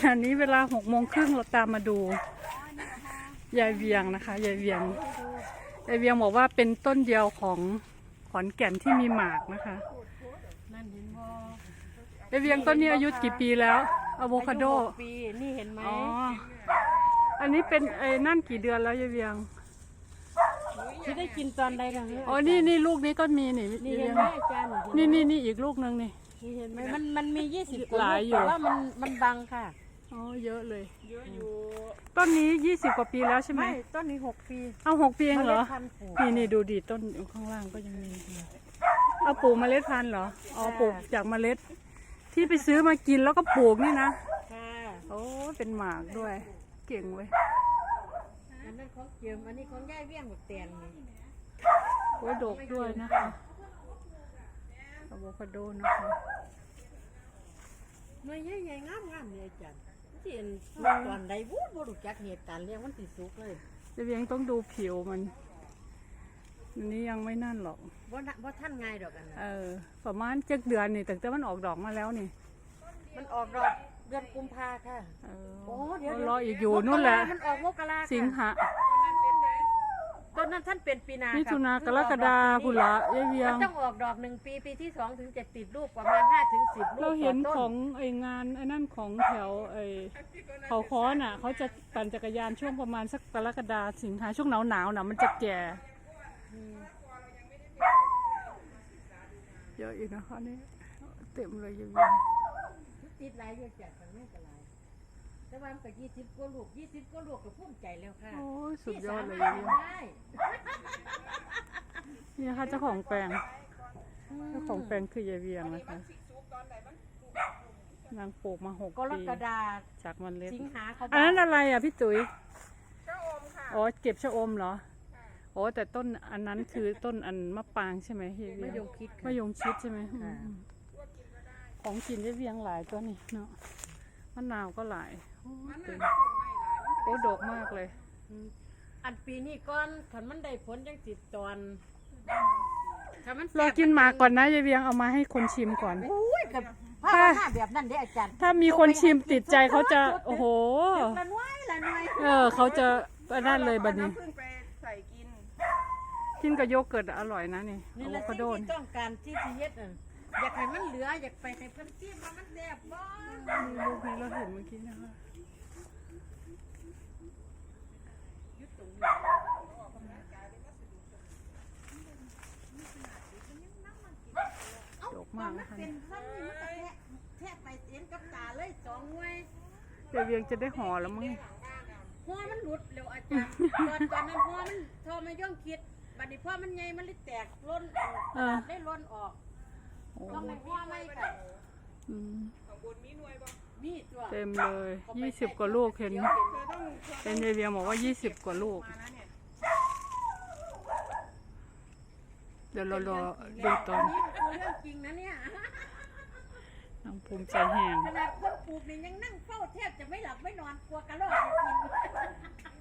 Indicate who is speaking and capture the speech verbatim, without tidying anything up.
Speaker 1: อันนี้เวลาหกโมงครึ่งเราตามมาดูยายเวียงนะคะยายเวียงยายเวียงบอกว่าเป็นต้นเดียวของขอนแก่นที่มีหมากนะคะยายเวียงต้นนี้อายุกี่ปีแล้วอะโวคาโด
Speaker 2: ปีนี่เห็นไหม
Speaker 1: อ๋ออันนี้เป็นไอ้นั่นกี่เดือนแล้วยายเวียง
Speaker 2: ที่ได้กินตอนใดล่ะ
Speaker 1: อ๋อนี่นี่ลูกนี้ก็มีนี่
Speaker 2: นี่เห็นไหมอาจารย์
Speaker 1: นี่นี่นี่อีกลูกนึงนี่
Speaker 2: นี่เห็นไหมมันมันมียี่สิบ
Speaker 1: หลายอยู่
Speaker 2: แต่ว่ามันมันบังค่ะ
Speaker 1: อ๋อเยอะเลยเยอะอยู่ต้นนี้ยี่สิบกว่าปีแล้วใช่ไหม
Speaker 2: ไม่ต้นนี้หกปี
Speaker 1: เอาหกปีเองเหรอนี่นี่ดูดิต้นข้างล่างก็ยังมีเอาปลูกเมล็ดพันธุ์เหรออ๋อปลูกจากเมล็ดที่ไปซื้อมากินแล้วก็ปลูกนี่นะ
Speaker 2: ค่ะ
Speaker 1: โอ้เป็นหมากด้วยเก่งเว้ย
Speaker 2: อันนั้นของเจียมอันนี้ของย่ายเวียงหมดเตียนนี่
Speaker 1: โอ้ดกด้วยนะคะอะโวคาโดนะคะ
Speaker 2: หน่วยใหญ่ๆงามๆเลยอาจารย์ที่เห็นตอนใดวูดบ่รู้จักเหตุการณ์เรียกมันสิสุกเลย
Speaker 1: จะเวียงต้องดูผิวมันอันนี้ยังไม่นั่นหรอก
Speaker 2: บ่บ่ท่านง่ายดอกอันนั้น
Speaker 1: เออประมาณเจ็ดเดือนนี่แต่แต่มันออกดอกมาแล้วนี่
Speaker 2: มันออกดอกเดือนกุมภาค่ะ
Speaker 1: โอ้เดี๋ยวรออีกอยู่นู่นแหละ
Speaker 2: มันออกมกรา
Speaker 1: สิงหา
Speaker 2: ต้นนั้นท่านเป็นปีนา
Speaker 1: มิถุนากรกฎาคมละยายเวียง
Speaker 2: มันต้องออกดอกหนึ่งปีปีที่สองถึงจะติดลูกประมาณห้าถึงสิบลูก
Speaker 1: เราเห็นของไองานไอ้นั่นของแถวไอเขาค้อนอ่ะเขาจะปั่นจักรยานช่วงประมาณสักกรกฎาสิงหาช่วงหนาวหนาวน่ะมันจะแก่เยอะอีกนะคะนี่เต็มเลยยายเวียง
Speaker 2: ติดหลายเยอะจัดกันไม่เป็นไรแต่ว่ามันก็ยี่สิบกว่าลูกยี่สิบกว่าลูกก็ภูมิใจแล้วค่ะ
Speaker 1: โอ้สุดยอดเลยยายเวียงนี่ค่ะเจ้าของแปลงเจ้าของแปลงคือยายเวียงนะคะนางปลูกมาหกปี
Speaker 2: กรกฎา
Speaker 1: จากมันเล็ก
Speaker 2: สิงหาเขา
Speaker 1: อันนั้นอะไรอ่ะพี่ตุ๋ยชะอมค่ะอ๋อเก็บชะอมเหรอโอ้แต่ต้นอันนั้นคือต้นอันมะปางใช่ไหมยายเวียง
Speaker 2: มะยงชิด
Speaker 1: มะยงชิดใช่ไหมของกินยายเวียงหลายตัวนี่เนาะมะนาวก็หลายโอ้ดกมากเลย
Speaker 2: อันปีนี้ก้อนขันมันได้ผลยังติดตอน
Speaker 1: รอกินหมากก่อนนะยายเวียงเอามาให้คนชิมก่อน
Speaker 2: ถ้าแบบนั้นได้อาจารย์
Speaker 1: ถ้ามีคนชิมติดใจเขาจะโอ้โห
Speaker 2: ละน้อยละน้อย
Speaker 1: เออเขาจะนั่นเลยบัดนี้กินกับโยเกิร์ตอร่อยนะนี่
Speaker 2: อะโวคาโดที่ต้องการที่ทีเย็ดอ่ะอยากให้มันเหลืออยากไปให้เพิ่นจิ้มมันแซ่บบ้าง
Speaker 1: ลูกนี้เราเห็นเมื่อกี้นะคะดกมากนะคะ
Speaker 2: เป็นสั้นนี่มันแทะแทะไปเอ็นกับตาเลยสองหน่วย
Speaker 1: เดี๋ยวเวียงจะได้ห่อแล้วมั้ง
Speaker 2: หัวมันหลุดเร็วอาจารย์ตอนตอนนั้นหัวมันโทรมาย่องคิดบัดนี้พ่อมันใหญ่มันเลยแตกล้นได้ล้นออกต้องในหัวไม่ค่ะ
Speaker 1: เต็มเลยยี่สิบกว่าลูกเห็นเป็นยายเวียงบอกว่ายี่สิบกว่าลูกเดี๋ยวเรารอดูตอน
Speaker 2: เรื่องจริงนะเนี่ย
Speaker 1: น้องภูมิใจแห้ง
Speaker 2: ขนาดคนปลูกนี่ยังนั่งเฝ้าแทบจะไม่หลับไม่นอนกลัวกระรอกกิน